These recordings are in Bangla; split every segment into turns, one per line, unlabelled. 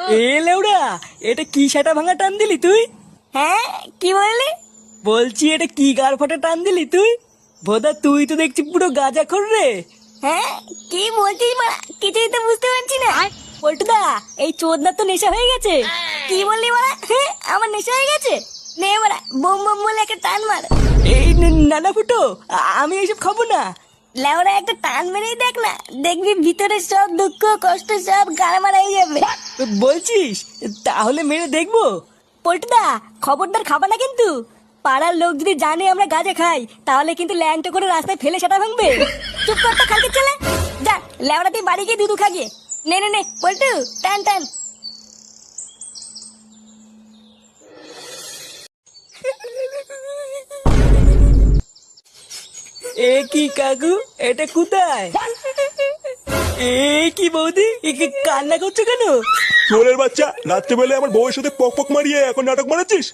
এ লেউড়া, এটা কি সেটা ভাঙা টান দিলি তুই?
হ্যাঁ, কি বললি?
বলছি এটা কি গাড় ফাটা টান দিলি তুই? ভোদা তুই তো দেখছি পুরো গাঁজা খোর রে।
হ্যাঁ, কি বলছিস মারা? কিছুই তো বুঝতে পারছি না। পল্টুদা, এই চোদনার তো নেশা হয়ে গেছে। কি বললি মারা? হ্যাঁ, আমার নেশা হয়ে গেছে। নে মারা, বোম বোম বলে একটা টান মার।
এই নানা ফুটো, আমি এইসব খাবো না।
লেওরা একটা টান মেরেই দেখ না, দেখবি ভিতরে সব দুঃখ কষ্ট সব গাড়া মারা হয়ে যাবে।
বলছিস? তাহলে মেরে দেখবো।
পল্টুদা, খবরদার খাবা না কিন্তু। পাড়ার লোক যদি জানে আমরা গাঁজা খাই, তাহলে কিন্তু ল্যাংটো করে রাস্তায় ফেলে সেটা ভাঙবে। চুপ কর তো খালকে ছেলে। যা, লেওরা তুই বাড়ি গিয়ে দুধু খাগিয়ে। নে নে নে, পল্টু, টান টান।
এ কি কাকু, এটা কোথায়? এ কি বৌদি, কান্না করছো কেন?
চোরের বাচ্চা, রাত্রেবেলা আমার বউয়ের সাথে পক পক মারিয়ে এখন নাটক মারাচ্ছিস?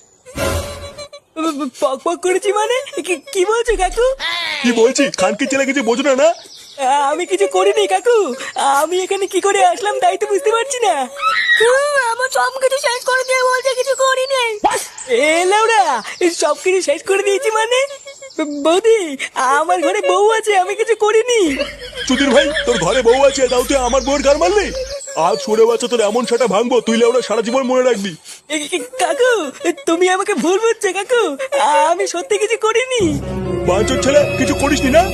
পক পক করেছি মানে? কি বলছো কাকু?
কি বলছি? খানকে ছেলে কিছু বোঝো না?
আমি কিছু করিনি কাকু। আমি এখানে কি করে আসলাম তাই তো বুঝতে পারছি না।
আমার সব কিছু শেষ করে দিয়ে বলছে কিছু করি নাই।
এ লাউড়া, সব কিছু শেষ করে দিয়েছি মানে? বৌদি, আমার ঘরে বউ আছে, আমি কিছু করিনি।
চুদির ভাই, তোর ঘরে বউ আছে, তাও তুই আমার বউয়ের গার মারলি? আজ সরে বাচ্চা তোর এমন সেটা ভাঙবো, তুই লেওড়া সারা জীবন মনে রাখবি।
কাকু, তুমি আমাকে ভুল বুঝছো কাকু। আমি সত্যি কিছু করিনি।
বাঞ্চোর ছেলে, কিছু করিসনি না?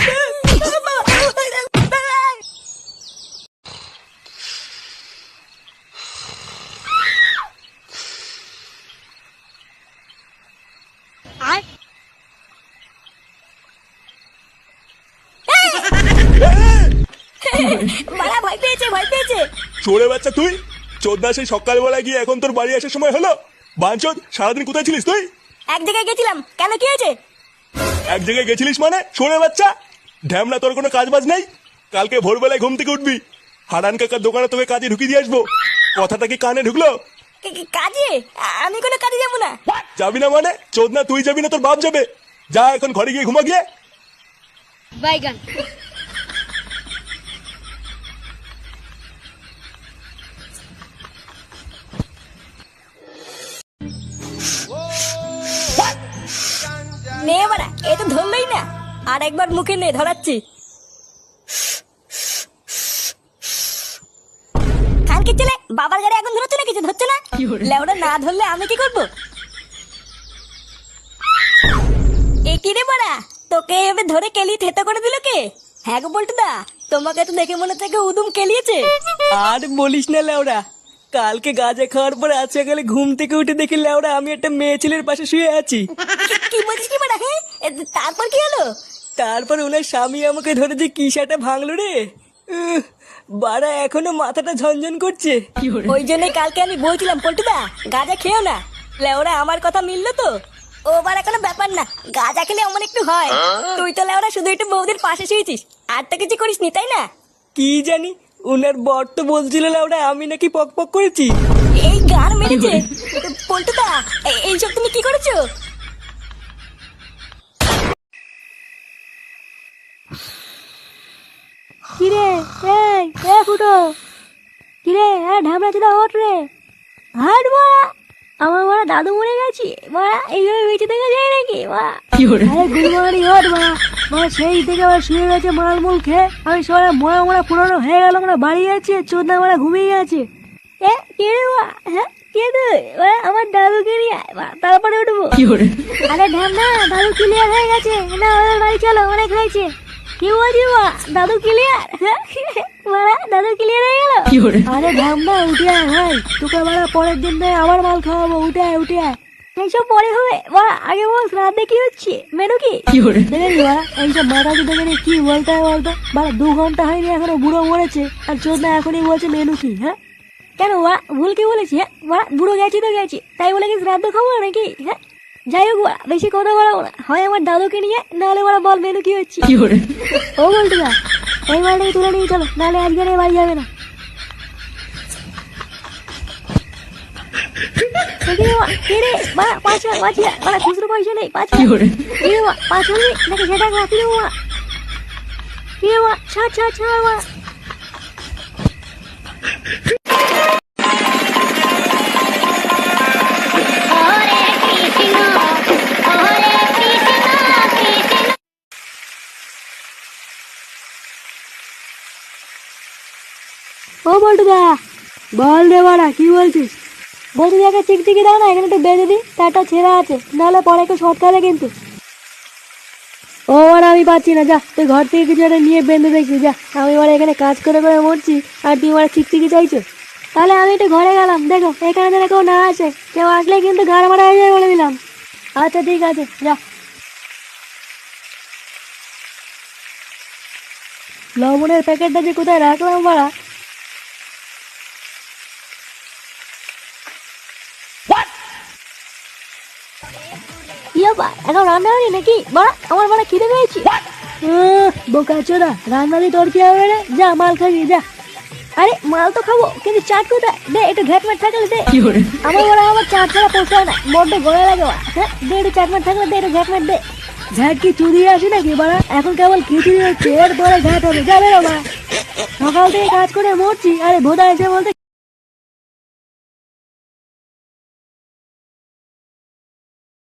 মারা ভয় পেয়েছে, ভয় পেয়েছে।
চোরে বাচ্চা তুই, চোদ্দা সেই সকালবেলা গিয়ে এখন তোর বাড়ি আসার সময় হলো? বাঞ্চোদ, সারাদিন কোথায় ছিলিস তুই?
এক জায়গায় গেছিলাম, কেন কি হয়েছে?
এক জায়গায় গেছিলিস মানে? চোরে বাচ্চা, ঢ্যামনা তোর কোনো কাজ বাজ নেই? কালকে ভোরবেলায় ঘুম থেকে উঠবি, হারান কাকার দোকানে তোকে কাজে ঢুকিয়ে দিয়ে আসবো। কথাটা কি কানে ঢুকলো?
কাজে? আমি কোনো কাজে যাবো না।
যাবি না মানে? চোদনা তুই যাবি না, তোর বাপ যাবে। যা এখন ঘরে গিয়ে ঘুমা গিয়ে।
বাইগান। নে বাড়া, এ তো ধরলই না। আর একবার মুখে নে, ধরাচ্ছি। খানকে ছেলে, বাবার গাড়ি এখন ধরছে না, কিছু ধরছে না। লেওড়া না ধরলে আমি কি করবো? এ কি রে বাড়া, তোকে এভাবে ধরে কেলিয়ে থেতো করে দিল কে? হ্যাঁ গো বল্টুদা, তোমাকে তো দেখে মনে থেকে উদুম কেলিয়েছে।
আর বলিস না লেওড়া, কালকে গাঁজা খাওয়ার পরে আজ সকালে ঘুম থেকে উঠে দেখি লেওড়া আমি একটা মেয়ে ছেলের পাশে শুয়ে আছি।
কি বলছিস কি বাড়া? হ্যাঁ, তারপর কি হলো?
তারপর ওনার স্বামী আমাকে ধরে যে কি সেটা ভাঙলো রে। বাড়া এখনো মাথাটা ঝনঝন করছে।
ওই জন্য কালকে আমি বলছিলাম পল্টুদা গাঁজা খেও না। লেওরা আমার কথা মিললো তো? ও বাড়া কোনো ব্যাপার না, গাঁজা খেলে অমন একটু হয়। তুই তো লেওরা শুধু একটু বৌদির পাশে শুয়েছিস, আর তো কিছু করিস নি, তাই না?
কি জানি, ওনার বর তো বলছিল লেওড়া আমি নাকি পক পক করেছি।
এই গান মেরেছে। পল্টুদা, এইসব তুমি কি করেছো?
কিরে এই ফুটো, কিরে ঢামড়া চুদা ওঠ রে, হাট মারা। আমার মারা দাদু মরে গেছি মারা, এইভাবে বেঁচে থেকে যায় নাকি মারা? আরে গুলমারি ওঠ মারা, মারা সেই থেকে আবার শুয়ে গেছে মালমূল খেয়ে। আমি সবাই মরা মরা পুরনো হয়ে গেল, মারা বাড়ি আছে চোদ্দা মারা ঘুমিয়ে গেছে। এ কে রে মা? হ্যাঁ কে তুই? আমার দাদুকে নিয়ে আয় মা, তারপরে উঠবো। আরে ঢামনা, দাদু ক্লিয়ার হয়ে গেছে না, ওদের বাড়ি চলো, অনেক হয়েছে। কি বলছি মা, দাদু ক্লিয়ার? মারা দাদু ক্লিয়ার হয়ে গেল? আরে ঢামনা উঠে আয় ভাই, তোকে মারা পরের দিন নয় আবার মাল খাওয়াবো, উঠে আয় উঠে আয়। এইসব পরে হবে মারা, আগে বল রাতে কি হচ্ছে, মেনু কি? দেখেছি মারা, এইসব মাথা কি দেখে কি বলতে হয় বলতো মারা? 2 ঘন্টা হয়নি এখনো বুড়ো মরেছে, আর চোদ্দা এখনই বলছে মেনু কি? হ্যাঁ কেন মা, ভুল কি বলেছি? হ্যাঁ মারা, বুড়ো গেছি তো গেছি, তাই বলে কি শ্রাদ্ধ খাবো নাকি? হ্যাঁ যাই হোক বাড়া, বেশি কথা বলাবো না, হয় আমার দাদুকে নিয়ে, নাহলে ওরা বল মেনু কি হচ্ছে। ও বলতে না, এই মালটাকে তুলে নিয়ে চলো, নাহলে আজকে আর বাড়ি যাবে না। খুচরো পয়সা নেই, 5 হবে নাকি সেটা কাপি দেবো মা? কি মা, ছাড় ছাড় ছাড় মা। ও বল্টুদা, বল রে বাড়া, কি বলছিস? বলছি একটা চিকচিকি দাও না, এখানে একটু বেঁধে দিই, তারটা ছেঁড়া আছে, নাহলে পরে একটু শর্ট খাবে কিন্তু। ও আর আমি পাচ্ছি না, যা তুই ঘর থেকে কিছু একটা নিয়ে বেঁধে দেখবি, যা। আমি এবার এখানে কাজ করে করে মরছি, আর তুই এবার চিকচিকি চাইছো? তাহলে আমি একটু ঘরে গেলাম, দেখো এখানে যেন কেউ না আসে, কেউ আসলে কিন্তু গাড় মারা হয়ে যাবে বলে দিলাম। আচ্ছা ঠিক আছে, যা। লবণের প্যাকেটটা যে কোথায় রাখলাম বাড়া। এখন রান্না হয়নি নাকি বাড়া? আমার বাড়া খিদে পেয়েছি। বোকা চোদা, রান্না দিয়ে তোর কি হবে রে? যা মাল খাবি যা। আরে মাল তো খাবো, কিন্তু চাট কোথায়? দে একটু ঘ্যাটম্যাট থাকলে দে। আমার বড় আমার চাট ছাড়া পোষায় না, বড্ড গলা লাগে বাড়া। হ্যাঁ দে একটু চাটম্যাট থাকলে দে, একটু ঘ্যাটম্যাট দে। ঘ্যাট কি চুরিয়ে আসি নাকি বাড়া? এখন কেবল খিচুড়ি হচ্ছে, এরপরে ঘ্যাট হবে, যাবে না বাড়া। সকাল থেকে কাজ করে মরছি, আরে ভোদা এসে বলতে